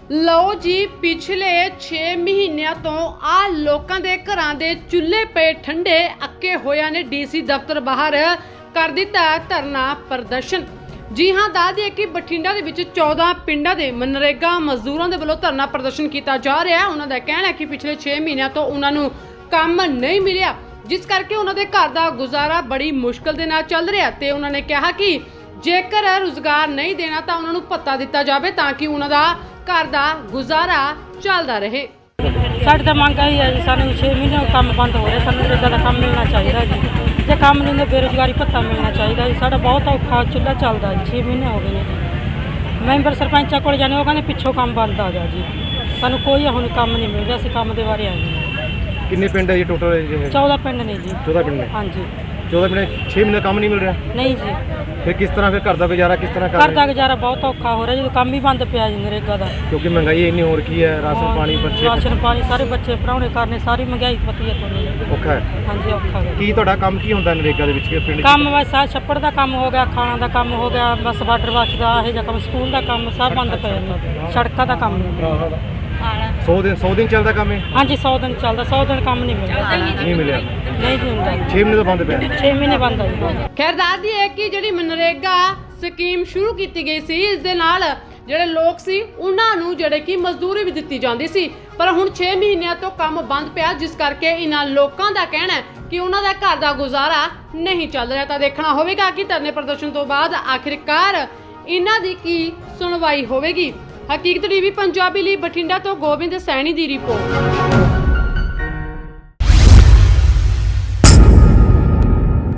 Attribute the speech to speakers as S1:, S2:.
S1: ਲਓ ਜੀ, ਪਿਛਲੇ 6 ਮਹੀਨਿਆਂ ਤੋਂ ਆ ਲੋਕਾਂ ਦੇ ਘਰਾਂ ਦੇ ਚੁੱਲ੍ਹੇ ਪਏ ਠੰਡੇ ਅੱਕੇ ਹੋਇਆਂ ਨੇ ਡੀਸੀ ਦਫ਼ਤਰ ਬਾਹਰ ਕਰ ਦਿੱਤਾ ਧਰਨਾ ਪ੍ਰਦਰਸ਼ਨ। ਜੀ ਹਾਂ, ਦੱਸ ਦਈਏ ਕਿ ਬਠਿੰਡਾ ਦੇ ਵਿੱਚ 14 ਪਿੰਡਾਂ ਦੇ ਮਨਰੇਗਾ ਮਜ਼ਦੂਰਾਂ ਦੇ ਵੱਲੋਂ ਧਰਨਾ ਪ੍ਰਦਰਸ਼ਨ ਕੀਤਾ ਜਾ ਰਿਹਾ ਹੈ। ਉਹਨਾਂ ਦਾ ਕਹਿਣਾ ਹੈ ਕਿ ਪਿਛਲੇ 6 ਮਹੀਨਿਆਂ ਤੋਂ ਉਹਨਾਂ ਨੂੰ ਕੰਮ ਨਹੀਂ ਮਿਲਿਆ, ਜਿਸ ਕਰਕੇ ਉਹਨਾਂ ਦੇ ਘਰ ਦਾ ਗੁਜ਼ਾਰਾ ਬੜੀ ਮੁਸ਼ਕਲ ਦੇ ਨਾਲ ਚੱਲ ਰਿਹਾ ਤੇ ਉਹਨਾਂ ਨੇ ਕਿਹਾ ਕਿ ਜੇਕਰ ਰੁਜ਼ਗਾਰ ਨਹੀਂ ਦੇਣਾ ਤਾਂ ਉਹਨਾਂ ਨੂੰ ਭੱਤਾ ਦਿੱਤਾ ਜਾਵੇ ਤਾਂ ਕਿ ਉਹਨਾਂ ਦਾ ਘਰ ਦਾ ਗੁਜ਼ਾਰਾ ਚੱਲਦਾ ਰਹੇ।
S2: ਸਾਡੀ ਤਾਂ ਮੰਗ ਆਈ ਹੈ ਜੀ, ਸਾਨੂੰ 6 ਮਹੀਨੇ ਕੰਮ ਬੰਦ ਹੋ ਰਿਹਾ, ਸਾਨੂੰ ਨਰੇਗਾ ਦਾ ਕੰਮ ਮਿਲਣਾ ਚਾਹੀਦਾ ਜੀ। ਜੇ ਕੰਮ ਨਹੀਂ ਤਾਂ ਬੇਰੁਜ਼ਗਾਰੀ ਭੱਤਾ ਮਿਲਣਾ ਚਾਹੀਦਾ ਜੀ। ਸਾਡਾ ਬਹੁਤ ਔਖਾ ਚੁੱਲ੍ਹਾ ਚੱਲਦਾ ਜੀ, 6 ਮਹੀਨੇ ਹੋ ਗਏ ਨੇ ਜੀ। ਮੈਂਬਰ ਸਰਪੰਚਾਂ ਕੋਲ ਜਾਣੇ, ਉਹ ਕਹਿੰਦੇ ਪਿੱਛੋਂ ਕੰਮ ਬੰਦ ਆ ਗਿਆ ਜੀ। ਸਾਨੂੰ ਕੋਈ ਹੁਣ ਕੰਮ ਨਹੀਂ ਮਿਲ ਰਿਹਾ, ਅਸੀਂ ਕੰਮ ਦੇ ਬਾਰੇ ਆਏ ਹਾਂ।
S3: ਕਿੰਨੇ ਪਿੰਡ ਹੈ ਜੀ ਟੋਟਲ?
S2: 14 ਪਿੰਡ ਨੇ ਜੀ।
S3: 14 ਪਿੰਡ ਨੇ?
S2: ਹਾਂਜੀ।
S3: 14 ਪਿੰਡ 6 ਮਹੀਨੇ ਕੰਮ ਨਹੀਂ ਮਿਲ ਰਿਹਾ?
S2: ਨਹੀਂ ਜੀ।
S3: ਫਿਰ ਕਿਸ ਤਰ੍ਹਾਂ ਫਿਰ ਘਰ ਦਾ ਗੁਜ਼ਾਰਾ ਕਿਸ ਤਰ੍ਹਾਂ ਕਰ
S2: ਘਰ ਦਾ ਗੁਜ਼ਾਰਾ ਬਹੁਤ ਔਖਾ ਹੋ ਰਿਹਾ, ਜਦੋਂ ਕੰਮ ਹੀ ਬੰਦ ਪਿਆ ਜੀ ਨਰੇਗਾ ਦਾ।
S3: ਕਿਉਂਕਿ ਮਹਿੰਗਾਈ ਇੰਨੀ ਹੋ ਰੱਖੀ ਹੈ, ਰਾਸ਼ਨ ਪਾਣੀ ਬੱਚੇ
S2: ਰਾਸ਼ਨ ਪਾਣੀ ਸਾਰੇ ਬੱਚੇ ਪੜਾਉਣੇ ਕਰਨੇ, ਸਾਰੀ ਮਹਿੰਗਾਈ ਪਤੀ ਹੈ ਤੁਹਾਨੂੰ।
S3: ਔਖਾ ਹੈ।
S2: ਹਾਂਜੀ, ਔਖਾ ਹੈ।
S3: ਕੀ ਤੁਹਾਡਾ ਕੰਮ ਕੀ ਹੁੰਦਾ ਨਰੇਗਾ ਦੇ ਵਿੱਚ ਕਿ ਪਿੰਡ 'ਚ?
S2: ਕੰਮ ਬਸ ਆਹ ਛੱਪੜ ਦਾ ਕੰਮ ਹੋ ਗਿਆ, ਖਾਣਾ ਦਾ ਕੰਮ ਹੋ ਗਿਆ, ਬਸ ਵਾਟਰ ਵਾਸ਼ ਦਾ ਇਹ ਜਿਹਾ ਕੰਮ, ਸਕੂਲ ਦਾ ਕੰਮ ਸਭ ਬੰਦ ਪਏ ਨੇ, ਸੜਕਾਂ ਦਾ ਕੰਮ ਨਹੀਂ।
S3: 100 ਦਿਨ ਚੱਲਦਾ ਕੰਮ ਇਹ?
S2: ਹਾਂਜੀ, 100 ਦਿਨ ਚੱਲਦਾ, 100 ਦਿਨ ਕੰਮ ਨਹੀਂ ਮਿਲਦਾ।
S3: ਨਹੀਂ ਮਿਲਿਆ?
S2: ਨਹੀਂ ਜੀ ਹੁੰਦਾ।
S3: 6 ਮਹੀਨੇ ਤੋਂ ਬੰਦ ਪਿਆ?
S2: 6 ਮਹੀਨੇ ਬੰਦ ਆ ਜੀ।
S1: ਖੈਰ ਦੱਸ ਦਈਏ ਕਿ ਜਿਹੜੀ ਮਨਰੇਗਾ ਸਕੀਮ ਸ਼ੁਰੂ ਕੀਤੀ ਗਈ ਸੀ, ਇਸ ਦੇ ਨਾਲ ਜਿਹੜੇ ਲੋਕ ਸੀ ਉਹਨਾਂ ਨੂੰ ਜਿਹੜੇ ਕਿ ਮਜ਼ਦੂਰੀ ਵੀ ਦਿੱਤੀ ਜਾਂਦੀ ਸੀ, ਪਰ ਹੁਣ 6 ਮਹੀਨਿਆਂ ਤੋਂ ਕੰਮ ਬੰਦ ਪਿਆ, ਜਿਸ ਕਰਕੇ ਇਹਨਾਂ ਲੋਕਾਂ ਦਾ ਕਹਿਣਾ ਹੈ ਕਿ ਉਹਨਾਂ ਦਾ ਘਰ ਦਾ ਗੁਜ਼ਾਰਾ ਨਹੀਂ ਚੱਲ ਰਿਹਾ। ਤਾਂ ਦੇਖਣਾ ਹੋਵੇਗਾ ਕਿ ਧਰਨੇ ਪ੍ਰਦਰਸ਼ਨ ਤੋਂ ਬਾਅਦ ਆਖਿਰਕਾਰ ਇਹਨਾਂ ਦੀ ਕੀ ਸੁਣਵਾਈ ਹੋਵੇਗੀ। ਹਕੀਕਤ ਟੀਵੀ ਪੰਜਾਬੀ ਲਈ ਬਠਿੰਡਾ ਤੋਂ ਗੋਬਿੰਦ ਸੈਣੀ ਦੀ ਰਿਪੋਰਟ।